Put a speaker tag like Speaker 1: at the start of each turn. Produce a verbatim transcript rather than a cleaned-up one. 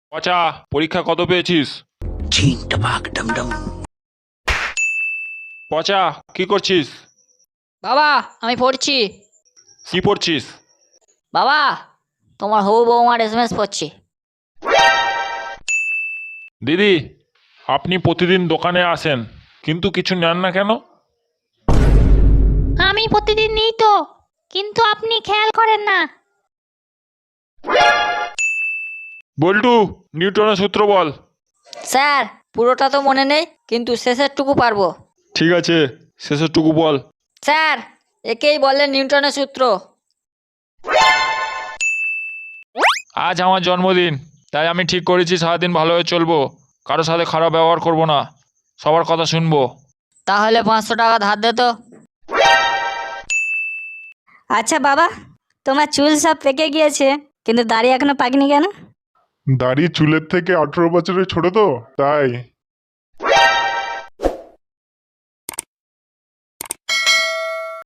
Speaker 1: পচা, পরীক্ষা কত পেয়েছিস? পচা, কি করছিস?
Speaker 2: বাবা আমি পড়ছি।
Speaker 1: কি পড়ছিস?
Speaker 2: বাবা তোমার হবু বৌমার এস এম এস পড়ছি।
Speaker 1: দিদি, আপনি প্রতিদিন দোকানে আসেন কিন্তু কিছু নেন না কেন?
Speaker 2: আমি প্রতিদিন নিই তো, কিন্তু আপনি খেয়াল করেন না।
Speaker 1: বল্টু, নিউটনের সূত্র বল।
Speaker 2: স্যার পুরোটা তো মনে নেই, কিন্তু শেষেরটুকু পারবো।
Speaker 1: ঠিক আছে, শেষেরটুকু বল।
Speaker 2: স্যার একেই বলে নিউটনের সূত্র।
Speaker 1: আজ আমার জন্মদিন, তাই আমি ঠিক করেছি সারাদিন ভালোভাবে চলবো, কারোর সাথে খারাপ ব্যবহার করব না, সবার কথা শুনবো।
Speaker 2: তাহলে পাঁচশো টাকা ধার দে তো।
Speaker 3: আচ্ছা বাবা, তোমার চুল সব পেকে গিয়েছে, কিন্তু দাড়ি এখনো পাকেনি কেন?
Speaker 4: দাড়ি চুলের থেকে আঠেরো বছরের ছোট তো, তাই।